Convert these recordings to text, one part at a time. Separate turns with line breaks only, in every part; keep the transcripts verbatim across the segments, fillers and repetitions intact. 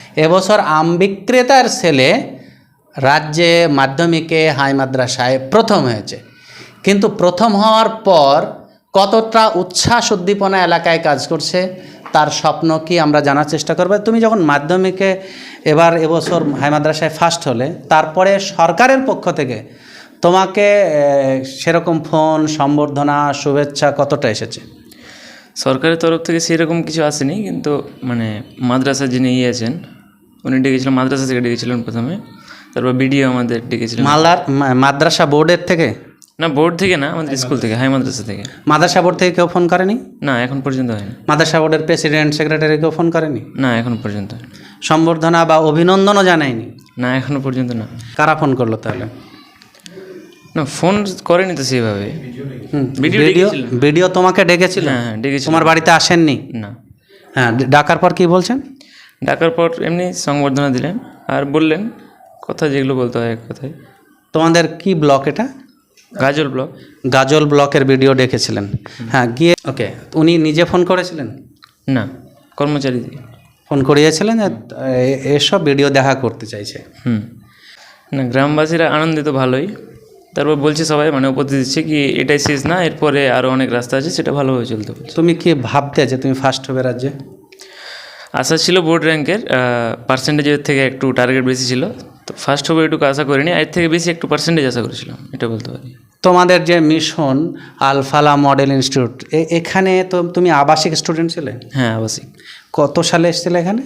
এবছর আম বিক্রেতার ছেলে রাজ্যে মাধ্যমিকে হাই মাদ্রাসায় প্রথম হয়েছে, কিন্তু প্রথম হওয়ার পর কতটা উচ্ছ্বাস উদ্দীপনা এলাকায় কাজ করছে তার স্বপ্ন কি আমরা জানার চেষ্টা করব। তুমি যখন মাধ্যমিকে এবার এবছর হাই মাদ্রাসায় ফার্স্ট হলে, তারপরে সরকারের পক্ষ থেকে তোমাকে সেরকম ফোন, সম্বর্ধনা, শুভেচ্ছা কতটা এসেছে?
সরকারের তরফ থেকে সেরকম কিছু আসেনি, কিন্তু মানে মাদ্রাসা যিনি ইয়ে আছেন উনি ডেকেছিলেন, মাদ্রাসা থেকে ডেকেছিলেন প্রথমে, তারপর বিডিও আমাদের ডেকেছিলেন।
মালদার মাদ্রাসা বোর্ডের থেকে?
না, বোর্ড থেকে না, আমাদের স্কুল থেকে, হাই মাদ্রাসা থেকে।
মাদ্রাসা বোর্ড থেকে কেউ ফোন করেনি?
না, এখন পর্যন্ত হয়নি।
মাদ্রাসা বোর্ডের প্রেসিডেন্ট, সেক্রেটারি কেউ ফোন করেনি?
না, এখন পর্যন্ত হয়নি।
সম্বর্ধনা বা অভিনন্দনও জানায়নি?
না, এখনো পর্যন্ত না।
কারা ফোন করলো তাহলে?
না, ফোন করেনি তো সেইভাবে।
ভিডিও ভিডিও তোমাকে ডেকেছিল?
হ্যাঁ হ্যাঁ ডেকেছিল।
তোমার বাড়িতে আসেননি?
না।
হ্যাঁ, ডাকার পর কি বলছেন?
ডাকার পর এমনি সংবর্ধনা দিলেন আর বললেন কথা যেগুলো বলতে হয় এক কথায়।
তোমাদের কি ব্লক এটা?
গাজল ব্লক।
গাজল ব্লকের ভিডিও ডেকেছিলেন? হ্যাঁ, গিয়ে ওকে, উনি নিজে ফোন করেছিলেন?
না, কর্মচারী দিয়ে
ফোন করিয়েছিলেন এসব ভিডিও দেখা করতে চাইছে।
হুম না, গ্রামবাসীরা আনন্দিত ভালোই। তারপর বলছে সবাই, মানে উপদেশ দিচ্ছে কি এটাই শেষ না, এরপরে আরও অনেক রাস্তা আছে, সেটা ভালোভাবে চলতে পারছে।
তুমি কি ভাবতে যে তুমি ফার্স্ট হবে রাজ্যে?
আশা ছিল বোর্ড র্যাঙ্কের, পার্সেন্টেজের থেকে একটু টার্গেট বেশি ছিল, তো ফার্স্ট হবে এটুকু আশা করিনি, এর থেকে বেশি একটু পার্সেন্টেজ আশা করেছিলাম, এটা বলতে পারি।
তোমাদের যে মিশন আলফালা মডেল ইনস্টিটিউট, এখানে তো তুমি আবাসিক স্টুডেন্ট ছিলে?
হ্যাঁ, আবাসিক।
কত সালে এসেছিলে এখানে?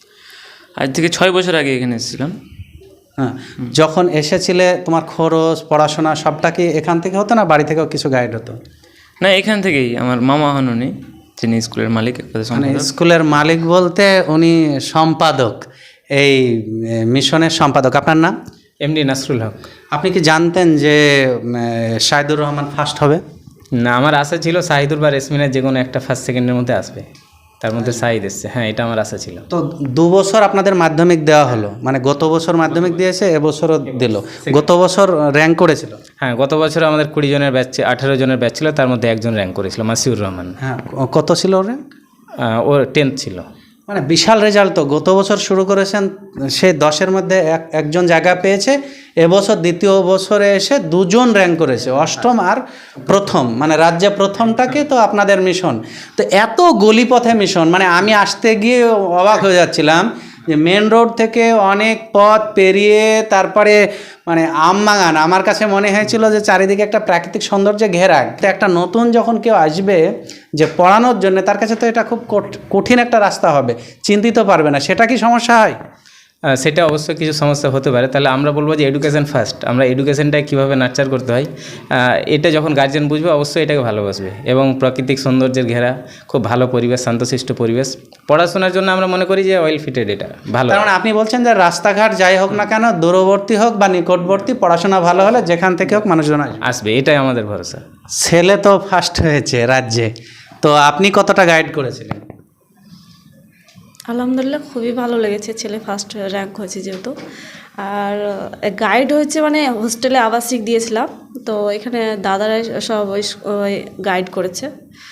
আজ থেকে ছয় বছর আগে এখানে এসেছিলাম।
হ্যাঁ, যখন এসেছিলে তোমার খরচ, পড়াশোনা সবটা কি এখান থেকে হতো না বাড়ি থেকেও কিছু গাইড হতো?
না, এখান থেকেই। আমার মামা হন উনি, যিনি স্কুলের মালিক।
মানে স্কুলের মালিক বলতে উনি সম্পাদক, এই মিশনের সম্পাদক। আপনার নাম?
এমডি নাসরুল হক।
আপনি কি জানতেন যে শাহিদুর রহমান ফার্স্ট হবে?
না, আমার আশা ছিল শাহিদুর বা রেসমিনের যে কোনো একটা ফার্স্ট সেকেন্ডের মধ্যে আসবে, তার মধ্যে শাহিদ এসছে। হ্যাঁ, এটা আমার আশা ছিল।
তো দু বছর আপনাদের মাধ্যমিক দেওয়া হলো, মানে গত বছর মাধ্যমিক দিয়েছে, এবছরও দিল। গত বছর র্যাঙ্ক করেছিল?
হ্যাঁ, গত বছর আমাদের কুড়ি জনের ব্যাচ, আঠারো জনের ব্যাচ ছিল, তার মধ্যে একজন র্যাঙ্ক করেছিল, মাসিউর রহমান।
হ্যাঁ, কত ছিল ওর র্যাঙ্ক?
ও টেন্থ ছিল।
মানে বিশাল রেজাল্ট তো। গত বছর শুরু করেছেন, সে দশের মধ্যে এক একজন জায়গা পেয়েছে, এবছর দ্বিতীয় বছরে এসে দুজন র্যাঙ্ক করেছে, অষ্টম আর প্রথম, মানে রাজ্যে প্রথমটাকে তো আপনাদের মিশন। তো এত গলিপথে মিশন, মানে আমি আসতে গিয়ে অবাক হয়ে যাচ্ছিলাম যে মেন রোড থেকে অনেক পথ পেরিয়ে তারপরে মানে আমবাগান, আমার কাছে মনে হয়েছিল যে চারিদিকে একটা প্রাকৃতিক সৌন্দর্যে ঘেরা। তো একটা নতুন যখন কেউ আসবে যে পড়ানোর জন্য, তার কাছে তো এটা খুব কঠিন একটা রাস্তা হবে, চিন্তিত পারবে না। সেটা কি সমস্যা হয়?
সেটা অবশ্যই কিছু সমস্যা হতে পারে। তাহলে আমরা বলবো যে এডুকেশন ফার্স্ট। আমরা এডুকেশনটাকে কীভাবে নার্চার করতে হয়, এটা যখন গার্জিয়ান বুঝবে অবশ্যই এটাকে ভালোবাসবে। এবং প্রাকৃতিক সৌন্দর্যের ঘেরা, খুব ভালো পরিবেশ, শান্তশিষ্ট পরিবেশ। পড়াশোনার জন্য আমরা মনে করি যে ওয়েল ফিটেড, এটা ভালো।
কারণ আপনি বলছেন যে রাস্তাঘাট যাই হোক না কেন, দূরবর্তী হোক বা নিকটবর্তী, পড়াশোনা ভালো হলে যেখান থেকে হোক মানুষজন
আসবে, এটাই আমাদের ভরসা।
ছেলে তো ফার্স্ট হয়েছে রাজ্যে, তো আপনি কতটা গাইড করেছিলেন?
আলহামদুলিল্লাহ, খুবই ভালো লেগেছে, ছেলে ফার্স্ট র্যাঙ্ক হয়েছে যেহেতু। আর গাইড হয়েছে মানে হোস্টেলে আবাসিক দিয়েছিলাম, তো এখানে দাদারাই সব ওই গাইড করেছে,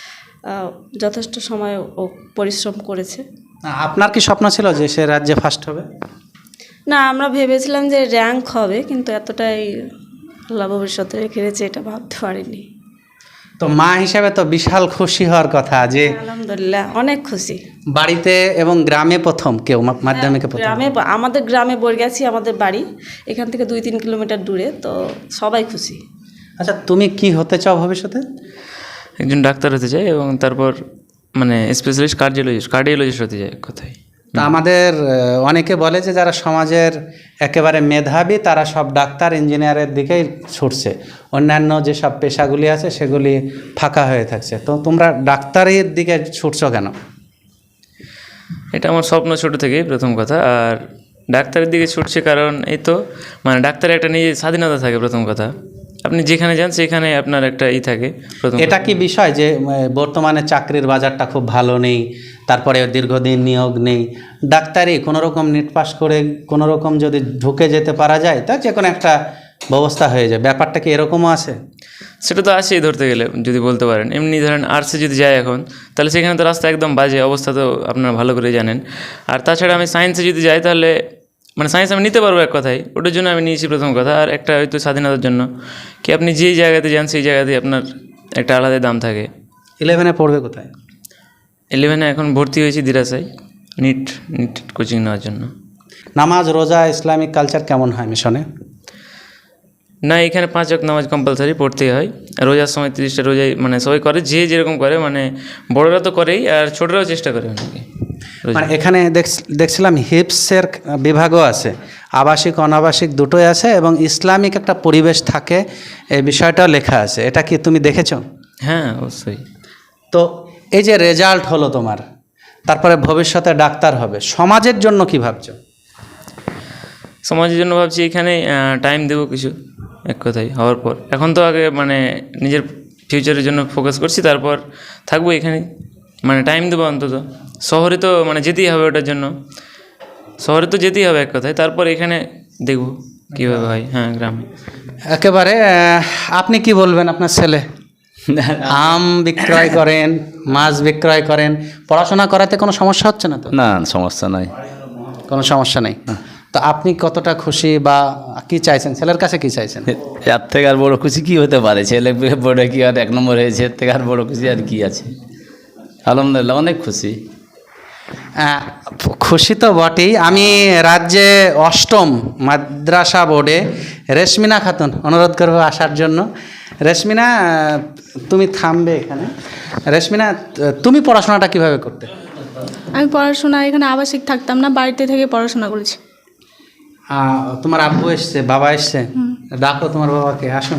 যথেষ্ট সময় ও পরিশ্রম করেছে।
আপনার কি স্বপ্ন ছিল যে সে রাজ্যে ফার্স্ট হবে?
না, আমরা ভেবেছিলাম যে র্যাঙ্ক হবে, কিন্তু এতটাই আল্লাহ ভবিষ্যতে রেখে দিয়েছে এটা ভাবতে পারিনি।
তো মা হিসাবে তো বিশাল খুশি হওয়ার কথা যে
আলহামদুলিল্লাহ, অনেক খুশি।
বাড়িতে এবং গ্রামে প্রথম কেউ মাধ্যমিকে প্রথম?
গ্রামে, আমাদের গ্রামে বরগাছি আমাদের বাড়ি, এখান থেকে দুই তিন কিলোমিটার দূরে, তো সবাই খুশি।
আচ্ছা, তুমি কি হতে চাও ভবিষ্যতে?
একজন ডাক্তার হতে চাই, এবং তারপর মানে স্পেশালিস্ট কার্ডিওলজিস্ট কার্ডিওলজিস্ট হতে চাই কোথায়।
তা আমাদের অনেকে বলে যে যারা সমাজের একেবারে মেধাবী তারা সব ডাক্তার, ইঞ্জিনিয়ারের দিকেই ছুটছে, অন্যান্য যেসব পেশাগুলি আছে সেগুলি ফাঁকা হয়ে থাকছে। তো তোমরা ডাক্তারের দিকে ছুটছো কেন?
এটা আমার স্বপ্ন ছোটো থেকেই, প্রথম কথা। আর ডাক্তারের দিকে ছুটছে কারণ এই তো মানে ডাক্তারের একটা নিজের স্বাধীনতা থাকে, প্রথম কথা। আপনি যেখানে যান সেখানে আপনার একটা ই থাকে।
এটা কি বিষয় যে বর্তমানে চাকরির বাজারটা খুব ভালো নেই, তারপরে দীর্ঘদিন নিয়োগ নেই, ডাক্তারি কোনো রকম নেট পাস করে কোনো রকম যদি ঢুকে যেতে পারা যায় তা যে কোনো একটা ব্যবস্থা হয়ে যায়, ব্যাপারটা কি এরকমও আছে?
সেটা তো আছেই ধরতে গেলে যদি বলতে পারেন। এমনি ধরেন আর্টসে যদি যায় এখন, তাহলে সেখানে তো রাস্তা একদম বাজে অবস্থা, তো আপনারা ভালো করে জানেন। আর তাছাড়া আমি সায়েন্সে যদি যাই, তাহলে মানে সায়েন্স আমি নিতে পারবো এক কথায়, ওটার জন্য আমি নিয়েছি প্রথম কথা। আর একটা হয়তো স্বাধীনতার জন্য, কি আপনি যেই জায়গাতে যান সেই জায়গাতে আপনার একটা আলাদা দাম থাকে।
ইলেভেনে পড়বে কোথায়?
ইলেভেনে এখন ভর্তি হয়েছি দিরাসায়, নিট নিট কোচিং নেওয়ার জন্য।
নামাজ, রোজা, ইসলামিক কালচার কেমন হয় মিশনে?
না, এখানে পাঁচ ওয়াক্ত নামাজ কম্পালসারি পড়তেই হয়। রোজার সময় তিরিশটা রোজাই মানে সবাই করে, যে যেরকম করে, মানে বড়রা তো করেই আর ছোটরাও চেষ্টা করে অনেকে।
মানে এখানে দেখ- দেখছিলাম হিপসের বিভাগও আছে, আবাসিক অনাবাসিক দুটোই আছে, এবং ইসলামিক একটা পরিবেশ থাকে, এই বিষয়টাও লেখা আছে। এটা কি তুমি দেখেছো?
হ্যাঁ, অবশ্যই।
তো এই যে রেজাল্ট হলো তোমার, তারপরে ভবিষ্যতে ডাক্তার হবে, সমাজের জন্য কি ভাবছো?
সমাজের জন্য ভাবছি এখানে টাইম দেবো কিছু, এক কথায় হওয়ার পর। এখন তো আগে মানে নিজের ফিউচারের জন্য ফোকাস করছি, তারপর থাকবো এখানে, মানে টাইম দেবো অন্তত। শহরে তো মানে যেতেই হবে ওটার জন্য, শহরে তো যেতেই হবে এক কথায়, তারপর এখানে দেখবো কীভাবে হয়। হ্যাঁ, গ্রামে।
একেবারে আহ, আপনি কি বলবেন? আপনার ছেলে আম বিক্রয় করেন, মাছ বিক্রয় করেন, পড়াশোনা করাতে কোনো সমস্যা হচ্ছে না তো?
না, সমস্যা নাই।
কোনো সমস্যা নেই। তো আপনি কতটা খুশি বা কি চাইছেন, ছেলের কাছে কি চাইছেন?
এর থেকে আর বড় খুশি কি হতে পারে? ছেলে পড়ে কি আর এক নম্বর হয়েছে, এর থেকে আর বড় খুশি আর কি আছে? আলহামদুলিল্লাহ, অনেক খুশি।
আহ, খুশি তো বটেই। আমি রাজ্যে অষ্টম মাদ্রাসা বোর্ডে রেশমিনা খাতুন অনুরোধ করবো আসার জন্য। রেশমিনা, আহ, তুমি থামবে এখানে। রেশমিনা, তুমি পড়াশোনাটা কিভাবে করতে?
আমি পড়াশোনা এখানে আবাসিক থাকতাম না, বাড়িতে থেকে পড়াশোনা করেছি।
আহ, তোমার আব্বু এসছে, বাবা এসছে, ডাকো তোমার বাবাকে, আসুন।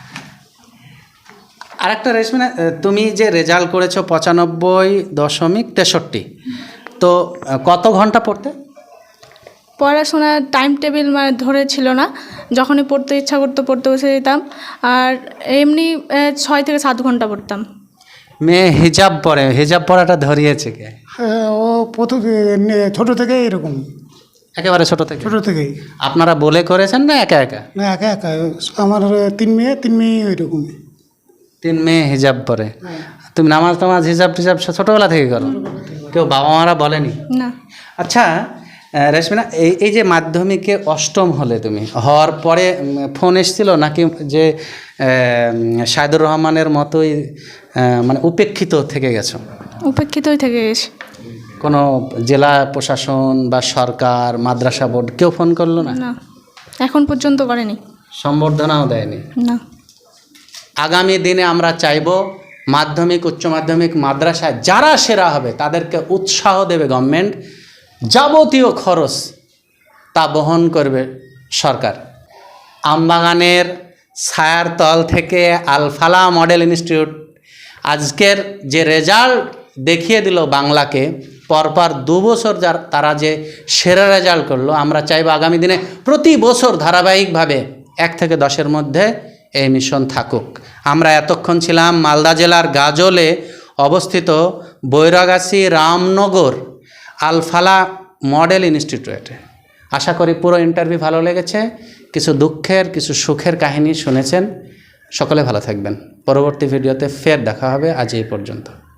আরেকটা রেশমিনা, আহ, তুমি যে রেজাল্ট করেছো পঁচানব্বই দশমিক তেষট্টি, তো আহ, কত ঘন্টা পড়তে?
পড়াশোনার টাইম টেবিল মানে ধরে ছিল না, যখনই পড়তে ইচ্ছা করতো পড়তে বসে যেতাম। আর এমনি আহ, ছয় থেকে সাত ঘন্টা পড়তাম।
মেয়ে হিজাব পরে, হিজাব পরাটা ধরিয়েছে কে?
হ্যাঁ, ও প্রথম ছোটো থেকে এরকম,
একেবারে ছোট থেকে?
ছোটো থেকেই।
আপনারা বলে করেছেন না একা একা?
না, একা একা। আমার তিন মেয়ে, তিন মেয়ে ওইরকম।
তিন মেয়ে হিজাব পরে। তুমি নামাজ টামাজ হিজাব টিজাব সব ছোটোবেলা থেকে করো? কেউ বাবা মারা বলেনি?
না।
আচ্ছা আহ, রেশমিনা, এই এই যে মাধ্যমিকে অষ্টম হলে, তুমি হওয়ার পরে উম, ফোন এসেছিল নাকি যে আহ, সাইদুর রহমানের মতোই আহ, মানে উপেক্ষিত থেকে গেছো?
উপেক্ষিতই থেকে গেছি।
কোনো জেলা প্রশাসন বা সরকার, মাদ্রাসা বোর্ড কেউ ফোন করলো না?
না, এখন পর্যন্ত করেনি।
সম্বর্ধনাও দেয়নি?
না।
আগামী দিনে আমরা চাইব মাধ্যমিক, উচ্চ মাধ্যমিক, মাদ্রাসায় যারা সেরা হবে তাদেরকে উৎসাহ দেবে গভর্নমেন্ট, যাবতীয় খরচ তা বহন করবে সরকার। আমবাগানের ছায়ার তল থেকে আলফালা মডেল ইনস্টিটিউট আজকের যে রেজাল্ট দেখিয়ে দিল বাংলাকে, পরপর দু বছর যার তারা যে সেরা রেজাল্ট করলো, আমরা চাইব আগামী দিনে প্রতি বছর ধারাবাহিকভাবে এক থেকে দশের মধ্যে এই মিশন থাকুক। আমরা এতক্ষণ ছিলাম মালদা জেলার গাজলে অবস্থিত বৈরাগাছি রামনগর আলফালা মডেল ইনস্টিটিউটে। আশা করি পুরো ইন্টারভিউ ভালো লেগেছে, কিছু দুঃখের কিছু সুখের কাহিনী শুনেছেন। সকলে ভালো থাকবেন। পরবর্তী ভিডিওতে ফের দেখা হবে। আজ এই পর্যন্ত।